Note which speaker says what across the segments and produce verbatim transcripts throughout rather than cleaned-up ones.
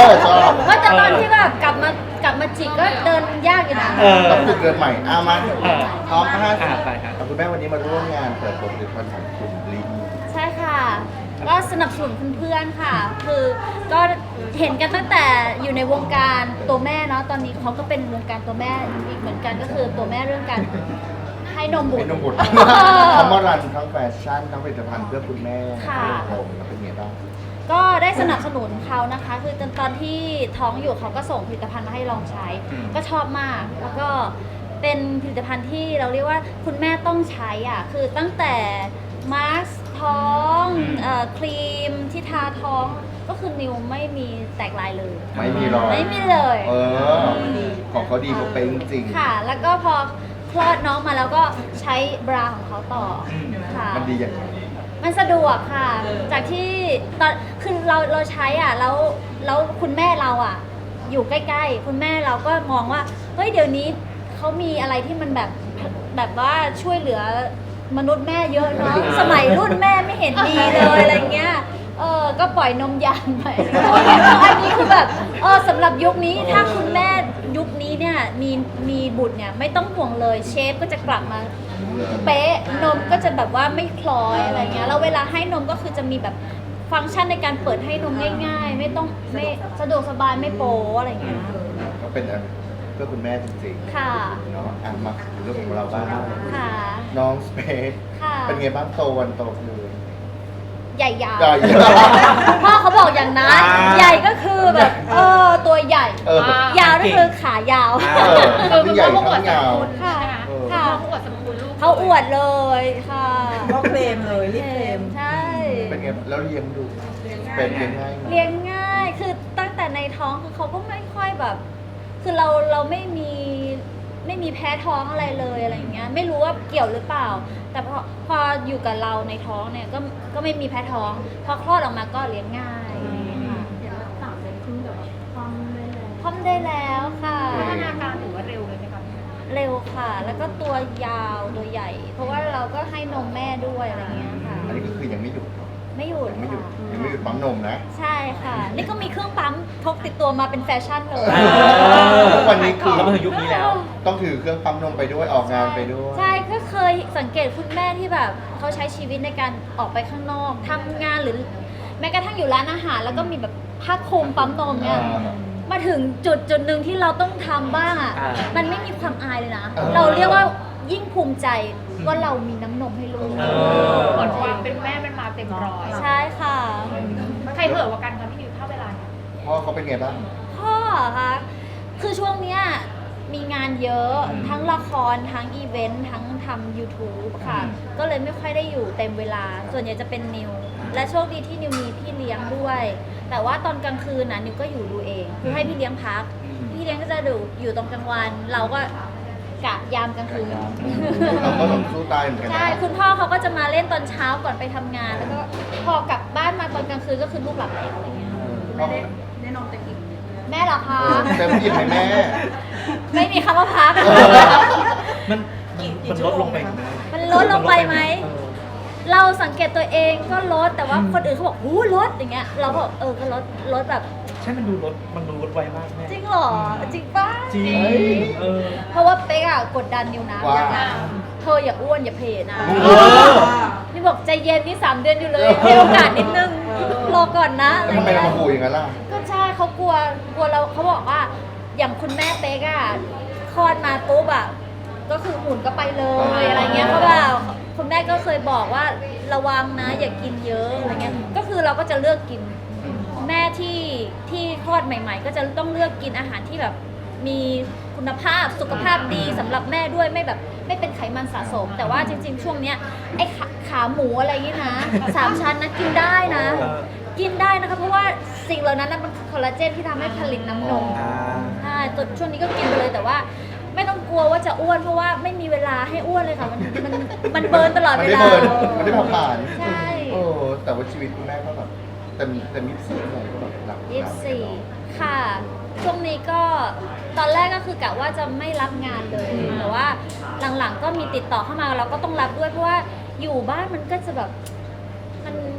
Speaker 1: ชอบ
Speaker 2: ว่าแต่ตอนที่แบบกลับมากลับมาจิกก็เดินยากอยู่นะ
Speaker 3: เออ
Speaker 1: ต้องฝึกเดินใหม่อามา
Speaker 3: เออ
Speaker 1: พร้อมนะฮะ
Speaker 3: อ่าไปครับ
Speaker 1: คุณแม่วันนี้มาร่วมงานเปิดตัวผลิตภัณฑ์ของคุณลิง
Speaker 2: ใช่ค่ะ ก็สนับสนุนเพื่อนๆค่ะ คือก็เห็นกันตั้งแต่อยู่ในวงการตัวแม่เนาะตอนนี้เขาก็เป็นวงการตัวแม่อีกเหมือนกันก็คือตัวแม่เรื่องการให้นมบุต
Speaker 1: เป็น
Speaker 2: ร
Speaker 1: นมบุตรเขามารันทั้งแฟชั่นทั้งผลิตภัณฑ์เพื่อคุณแม่
Speaker 2: ค่ะ
Speaker 1: โอ้โหแล้วเป็นไงบ้าง
Speaker 2: ก็ได้สนับสนุนเขานะคะ คือตอนตอนที่ท้องอยู่เขาก็ส่งผลิตภัณฑ์มาให้ลองใช้
Speaker 3: อืม
Speaker 2: ก็ชอบมาก แล้วก็เป็นผลิตภัณฑ์ที่เราเรียกว่าคุณแม่ต้องใช้อ่ะ คือตั้งแต่มาสก์ท้องเอ่อครีมที่ทาท้อง ก็คือนิวไม่มีแตกลายเลย
Speaker 1: ไม่มีหรอก
Speaker 2: ไม่มีเลย
Speaker 1: เออ ของเขาดีเขาเป็นจริงๆ
Speaker 2: ค่ะ แล้วก็พอคลอดน้องมาแล้วก็ใช้บราของเขาต่อค่ะ
Speaker 1: มันดีอย่างไร
Speaker 2: มันสะดวกค่ะ จากที่ตอนคือเราเราใช้อ่ะแล้วแล้วคุณแม่เราอ่ะ อยู่ใกล้ๆ คุณแม่เราก็มองว่าเฮ้ยเดี๋ยวนี้เขามีอะไรที่มันแบบแบบว่าช่วยเหลือมนุษย์แม่เยอะเนาะสมัยรุ่นแม่ไม่เห็นดีเลยอะไรเงี้ยเออก็ปล่อยนมยางไปอันนี้คือแบบเออสำหรับยุคนี้ถ้าคุณแม่ยุคนี้เนี่ยมีมีบุตรเนี่ยไม่ต้องห่วงเลยเชฟก็จะกลับมา เป๊ะนมก็จะแบบว่าไม่คล้อยอะไรเงี้ยแล้วเวลาให้นมก็คือจะมีแบบฟังก์ชันในการเปิดให้นมง่ายๆ ไม่ต้องไม่สะดวกสบายไม่โป๊อะไรเงี้ย
Speaker 1: ก็เป็นอันเพื่อคุณแม่จริง
Speaker 2: ค่ะ
Speaker 1: ๆเนาะอ่ะมาถึงเรื่องของเราบ้าง
Speaker 2: ค่ะ
Speaker 1: น้องสเปซ
Speaker 2: ค่ะ
Speaker 1: เป็นไงบ้างโตวันโตคืน
Speaker 2: ใหญ่ยาว
Speaker 1: ใหญ่
Speaker 2: พ่อเขาบอกอย่างนั้น
Speaker 3: อ่า
Speaker 2: ใหญ่ก็คือแบบเออตัวใหญ่
Speaker 1: เออ
Speaker 2: ยาวก็คือขายาว
Speaker 1: เออทั้งใหญ่ทั้งยาว
Speaker 2: ค่ะ
Speaker 1: เออ
Speaker 2: ค่ะ
Speaker 4: เขาอวดสรรพคุณลูก
Speaker 2: เขาอวดเลยค่ะ
Speaker 5: ก็เคลมเลยรีบเคลม
Speaker 2: ใช่
Speaker 1: เป็นไงแล้วเลี้ยงดูเป็นเลี้ยงง่ายไหม
Speaker 2: เลี้ยงง่าย คือตั้งแต่ในท้องคือเขาก็ไม่ค่อยแบบ คือเราเราไม่มีไม่มีแพ้ท้องอะไรเลยอะไรอย่างเงี้ย ไม่รู้ว่าเกี่ยวหรือเปล่า แต่พอพออยู่กับเราในท้องเนี่ยก็ก็ไม่มีแพ้ท้อง พอคลอดออกมาก็เลี้ยงง่ายค่ะ
Speaker 4: เห็นว่าสามเดือนครึ่งแบบความได้เลย
Speaker 2: พร้อมได้แล้วค่ะ
Speaker 4: พัฒนาการถือว่าเร็วเลยไหมคะ
Speaker 2: เร็วค่ะ แล้วก็ตัวยาวตัวใหญ่ เพราะว่าเราก็ให้นมแม่ด้วยอะไรเงี้ยค่ะ
Speaker 1: อันนี้ก็คือยังไม่หยุด
Speaker 2: ไม่หยุด
Speaker 1: ยังไม่หยุด
Speaker 2: ค่ะ
Speaker 1: ยังไม่หยุดปั๊มนมนะ
Speaker 2: ใช่ค่ะ นี่ก็มีเครื่องปั๊มพกติดตัวมาเป็นแฟชั่นเลย
Speaker 3: อ่า
Speaker 1: ทุกวันนี้คือ
Speaker 3: เรามาถึงยุคนี้แล้ว
Speaker 1: ต้องถือเครื่องปั๊มนมไปด้วยออกงานไปด้วย
Speaker 2: ใช่ก็เคยสังเกตคุณแม่ที่แบบเขาใช้ชีวิตในการออกไปข้างนอกทำงานหรือ แม้กระทั่งอยู่ร้านอาหาร แล้วก็มีแบบผ้าคลุมปั๊มนมเนี่ย
Speaker 1: อ่า
Speaker 2: มาถึงจุดจุดหนึ่งที่เราต้องทำบ้างอ่ะ
Speaker 3: อ่า
Speaker 2: มันไม่มีความอายเลยนะ
Speaker 1: เออ
Speaker 2: เราเรียกว่ายิ่งภูมิใจว่าเรามีน้ำนมให้ลูก
Speaker 3: เอ
Speaker 4: เหมือนความเป็นแม่เป็นมาเต็มร้อย
Speaker 2: ใช่ค่ะ
Speaker 4: ใครเห่อะกว่ากันคะพี่นิวเท่าเวลาเนี่ย
Speaker 1: พ่อเขาเป็นไงบ้าง
Speaker 2: พ่อคะคือช่วงเนี้ยมีงานเยอะ
Speaker 1: อืม
Speaker 2: ทั้งละครทั้งอีเวนต์ทั้งทำ YouTube ค่ะ
Speaker 1: อืม
Speaker 2: ก็เลยไม่ค่อยได้อยู่เต็มเวลา ส่วนใหญ่จะเป็นนิว และโชคดีที่นิวมีพี่เลี้ยงด้วย แต่ว่าตอนกลางคืนนะนิวก็อยู่ดูเอง คือให้พี่เลี้ยงพัก พี่เลี้ยงก็จะดูอยู่ตรงกลางวัน เราก็กะยามกลางคืน
Speaker 1: เราก็ต้องสู้ตายเหมือนกัน
Speaker 2: ใช่
Speaker 1: นะ
Speaker 2: คุณพ่อเขาก็จะมาเล่นตอนเช้าก่อนไปทำงาน แล้วก็พอกลับบ้านมาตอนกลางคืนก็คือลูกหลับแล้วอะไรเงี้ย
Speaker 1: พ่อ
Speaker 4: แน่นอนเต็มอิ่ม
Speaker 2: แม่เหรอคะ
Speaker 1: เต็มอิ่มไหมแม่
Speaker 2: ไม่มีคำว่าพัก
Speaker 3: มันมันลดลงไปไหม
Speaker 2: มันลดลงไปไหม
Speaker 3: เออ
Speaker 2: เราสังเกตตัวเองก็ลด แต่ว่าคนอื่นเขาบอกหูลดอย่างเงี้ย เราก็บอกเออ ก็ลด ลดแบบ
Speaker 3: ใช่มันดูลดมันดูลดไวมากแม่
Speaker 2: จริงเหรอ จริงป่ะ
Speaker 3: จริง
Speaker 1: เฮ้ย
Speaker 3: เออ
Speaker 2: เพราะว่าเป๊กอะกดดันนิวนะ
Speaker 1: ว่า
Speaker 2: เธออย่าอ้วนอย่าเพลนะ
Speaker 1: เออ
Speaker 2: นี่บอกใจเย็นนี่สามเดือนอยู่เลยให้โอกาสนิดนึง รอก่อนนะอะไร
Speaker 1: ทำไม
Speaker 2: เงี้
Speaker 1: เรา
Speaker 2: ย
Speaker 1: มาขู่อย่างนั้นล่ะ
Speaker 2: ก็ใช่เขากลัว กลัวเราเขาบอกว่า อย่างคุณแม่เป๊กอะคลอดมาปุ๊บอะก็คือหุ่นก็ไปเลยอะไรเงี้ยเขาแบบคุณแม่ก็เคยบอกว่าระวังนะ อย่ากินเยอะอะไรเงี้ย ก็คือเราก็จะเลือกกิน แม่ที่ที่คลอดใหม่ ๆ ก็จะต้องเลือกกินอาหารที่แบบมีคุณภาพสุขภาพดีสำหรับแม่ด้วยไม่แบบไม่เป็นไขมันสะสม แต่ว่าจริงๆ ช่วงเนี้ยไอ้ขาขาหมูอะไรอย่างงี้นะสามชั้นนะกินได้นะ
Speaker 3: เออ
Speaker 2: กินได้นะคะเพราะว่าสิ่งเหล่านั้นนะมันคอลลาเจนที่ทำให้ผลิตน้ำนม
Speaker 3: อ่า
Speaker 2: ใช่ตัวช่วงนี้ก็กินไปเลยแต่ว่า ไม่ต้องกลัวว่าจะอ้วนเพราะว่าไม่มีเวลาให้อ้วนเลยค่ะมันมันมันเบิร์นตลอด
Speaker 1: มัน
Speaker 2: เว
Speaker 1: ได้
Speaker 2: ลา
Speaker 1: เบิร์นมันได้เผาผ่าน
Speaker 2: ใช่
Speaker 1: โอ้แต่ว่าชีวิตคุณแม่ก็แบบเต็มเต็มยี่สิบสี่เลยก็แบบหนัก
Speaker 2: ยี่สิบสี่ค่ะ ช่วงนี้ก็ตอนแรกก็คือกะว่าจะไม่รับงานเลย แต่ว่าหลังๆก็มีติดต่อเข้ามาเราก็ต้องรับด้วยเพราะว่าอยู่บ้านมันก็จะแบบมัน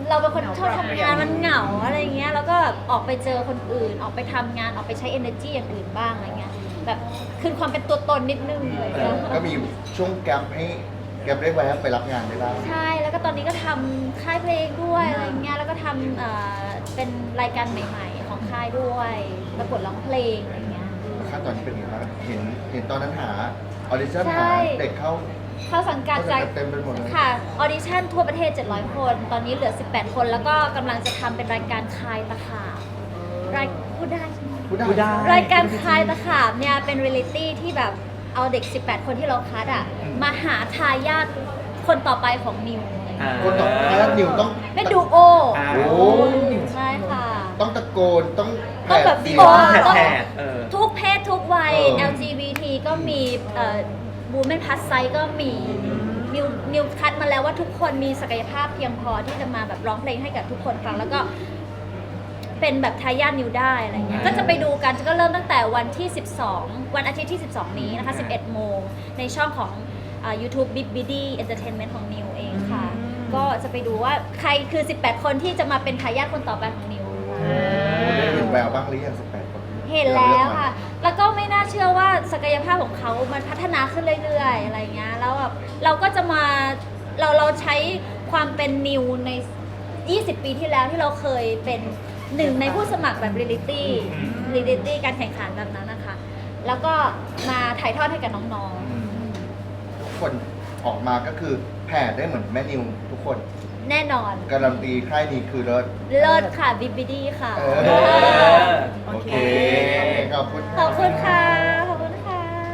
Speaker 2: เราเป็นคนชอบทำงานมันเหงาอะไรเงี้ยแล้วก็แบบออกไปเจอคนอื่น ออกไปทำงานออกไปใช้ energy อย่างอื่นบ้างอะไรเงี้ยแบบคืนความเป็นตัวตนนิดนึงอะไร
Speaker 1: เอ
Speaker 2: เงี้
Speaker 1: อย ก็มีช่วงแกลบให้แกลบได้แวะไปรับงานได้บ้าง
Speaker 2: ใช่แล้วก็ตอนนี้ก็ทำค่ายเพลงด้วยอะไรเงี้ยแล้วก็ทำเอ่อเป็นรายการใหม่ ๆ ของค่ายด้วยประกวดร้องเพลงอะไรเงี้ย
Speaker 1: ขั้นตอนนี้เป็นยังไงบ้างเห็นเห็นตอนนั้นหาออดิชั่น
Speaker 2: ใช่
Speaker 1: หาเด็กเข้า
Speaker 2: เข้าสังกัด
Speaker 1: เข้าสั
Speaker 2: จาก
Speaker 1: งกัดเต็มไปหมดเลย
Speaker 2: ค่ะออดิชั่นทั่วประเทศเจ็ดร้อยคน ตอนนี้เหลือสิบแปดคน แล้วก็กำลังจะทำเป็นรายการคายตะขาบรายพูดได้ใช่ไหม
Speaker 1: พูดได้
Speaker 3: พูดได้
Speaker 2: รายการคายตะขาบเนี่ยเป็นเรียลิตี้ที่แบบเอาเด็ก สิบแปด คนที่เราคัดอ่ะมาหาทายาทคนต่อไปของนิวอะไรอย่างเงี้ย
Speaker 1: คนต่อไปแล้วนิวต้อง
Speaker 2: เป็นดูโอ
Speaker 3: อ่า
Speaker 1: โอ้
Speaker 2: ใช่ค่ะ
Speaker 1: ต้องตะโกนต้อง
Speaker 2: ต้องแบบ
Speaker 1: เสีย
Speaker 2: โอ้
Speaker 1: ง
Speaker 3: แผด
Speaker 2: ต้อง
Speaker 3: แผดเออ
Speaker 2: ทุกเพศทุกวัย
Speaker 1: เออ
Speaker 2: แอล จี บี ที ก็มีบูมเมนพัสไซก็มีนิวนิวคัดมาแล้วว่าทุกคนมีศักยภาพเพียงพอที่จะมาแบบร้องเพลงให้กับทุกคนฟังแล้วก็เป็นแบบทายาทนิวได้อะไรเงี้ยก็จะไปดูกันก็เริ่มตั้งแต่วันที่ สิบสอง วันอาทิตย์ที่ สิบสอง นี้นะคะ สิบเอ็ด โมงในช่องของอ่า YouTube Big Biddy Entertainment ของนิวเองค่ะ ก็จะไปดูว่าใครคือ สิบแปด คนที่จะมาเป็นทายาทคนต่อไปของนิว
Speaker 1: ได้เห็นแววบ้างหรือยังสิบแปดคน
Speaker 2: เห็นแล้วค่ะ แล้วก็ไม่น่าเชื่อว่าศักยภาพของเขามันพัฒนาขึ้นเรื่อยๆ อะไรเงี้ย แล้วแบบเราก็จะมาเราเราใช้ความเป็นนิวใน ยี่สิบ ปีที่แล้วที่เราเคยเป็นหนึ่งในผู้สมัครแบบเรียลิตี้เรียลิตี้การแข่งขันแบบนั้นนะคะ แล้วก็มาถ่ายทอดให้กับน้อง
Speaker 1: อืมทุกคนออกมาก็คือแผ่ได้เหมือนแม่นิวทุกคน
Speaker 2: ๆ แน่นอน
Speaker 1: การันตีค่ายนี้คือเลิศ
Speaker 2: เลิศค่ะบิบบิดี้ค่ะ
Speaker 1: เออ โอเค ขอบคุณ
Speaker 2: ขอบคุณค่ะ ขอบคุณค่ะ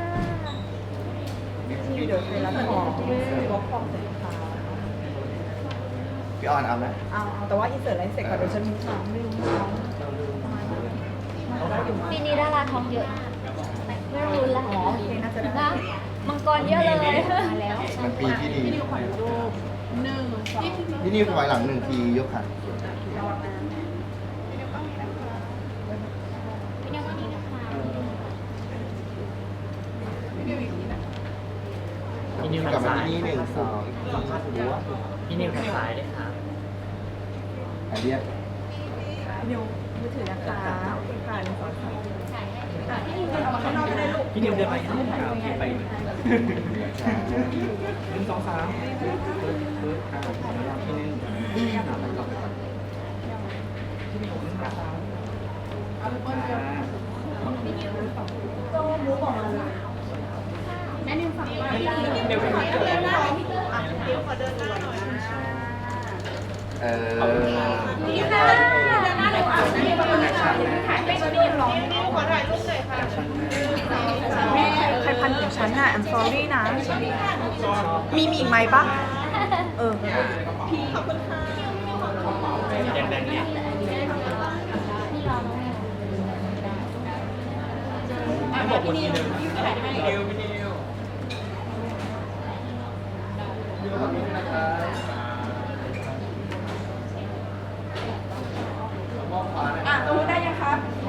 Speaker 5: เดี๋ยวไปรับของบล็อกของเสร็จค่ะ
Speaker 1: พี่ออนเอาไหม
Speaker 5: เอาเอาแต่ว่าอินเสิร์ตอะไรเสร็จก่อนเดี๋ยวฉันมีของไม่รู้น้องเราได้อยู่มั้ย
Speaker 2: ปีนี้ดาราท้องเยอะมากไม่รู้ละ
Speaker 5: อ๋อโอเคน่าจะได้
Speaker 2: นะมังกรเยอะเลยมาแล้ว
Speaker 1: มันปีที่ดี
Speaker 4: หนึ่งสอง
Speaker 1: พี่นิวถอยหลังหนึ่งทียกขา
Speaker 3: พี่นิว
Speaker 1: กลับ
Speaker 3: ทาง
Speaker 1: มา
Speaker 3: ซ้าย
Speaker 1: ที่นี่หนึ่งสอง
Speaker 3: พี่นิวทางซ้ายด้วยค่ะ
Speaker 1: อันเรียก
Speaker 5: พี่นิวมือถือนะคะค่ะหนึ่งสองสามอ่ะพี่นิวเดินออกมาข้างนอกก็ได้ลูก
Speaker 3: พี่นิวเดินไปข้างหน้าโอเคไปหนึ่งสองสามปึ๊บอ่าขออนุญาตที่หนึ่งอ่าไปก่อนไปก่อนที่นี่ผมขึ้นมาครับอ่า
Speaker 4: แม่นิวฝั่งนี้
Speaker 3: เดี๋ยวไปก่อน
Speaker 1: เออ
Speaker 2: นี่ค่ะ
Speaker 4: ถ่ายไม่ได้ยินร้องขอถ่ายรูปหน่อยค่ะ
Speaker 5: แม่ใครพันของฉันน่ะ I'm sorry นะ มีมีอีกไหมปะเออ
Speaker 3: แดงๆเนี่ย บอกคนทีนึงพี่นิวพี่นิว
Speaker 5: อ่ะตรงนู้นได้ยังครับ